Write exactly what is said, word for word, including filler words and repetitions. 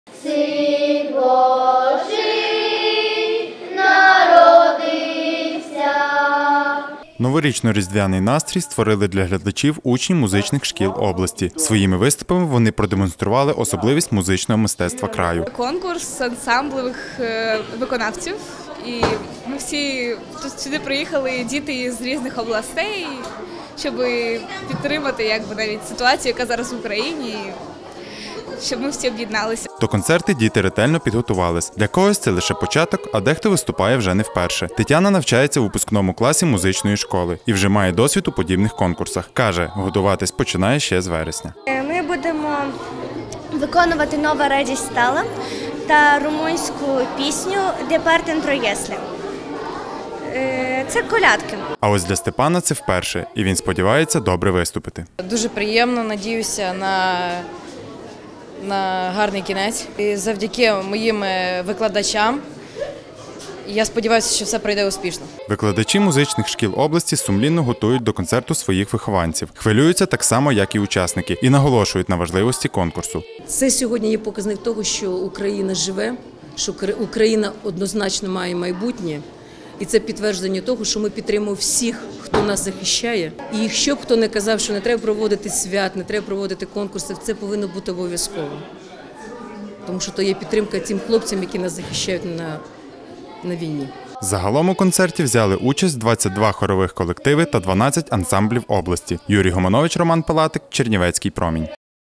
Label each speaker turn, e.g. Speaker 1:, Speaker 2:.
Speaker 1: Син Божий народився.
Speaker 2: Новорічно-різдвяний настрій створили для глядачів учні музичних шкіл області. Своїми виступами вони продемонстрували особливість музичного мистецтва краю.
Speaker 3: Конкурс ансамблевих е, виконавців. І ми всі тут сюди приїхали, діти з різних областей, щоб підтримати якби, навіть ситуацію, яка зараз в Україні, щоб ми всі об'єдналися.
Speaker 2: До концерту діти ретельно підготувались. Для когось це лише початок, а дехто виступає вже не вперше. Тетяна навчається у випускному класі музичної школи і вже має досвід у подібних конкурсах. Каже, готуватись починає ще з вересня.
Speaker 4: Ми будемо виконувати «Нова радість стала» та румунську пісню «Де партен троєслі». Це колядки.
Speaker 2: А ось для Степана це вперше, і він сподівається добре виступити.
Speaker 5: Дуже приємно, надіюся на, на гарний кінець. І завдяки моїм викладачам я сподіваюся, що все пройде успішно.
Speaker 2: Викладачі музичних шкіл області сумлінно готують до концерту своїх вихованців. Хвилюються так само, як і учасники, і наголошують на важливості конкурсу.
Speaker 6: Це сьогодні є показник того, що Україна живе, що Україна однозначно має майбутнє. І це підтвердження того, що ми підтримуємо всіх, хто нас захищає. І якщо б хто не казав, що не треба проводити свят, не треба проводити конкурси, це повинно бути обов'язково. Тому що то є підтримка тим хлопцям, які нас захищають на, на війні.
Speaker 2: Загалом у концерті взяли участь двадцять два хорових колективи та дванадцять ансамблів області. Юрій Гоманович, Роман Палатик, Чернівецький промінь.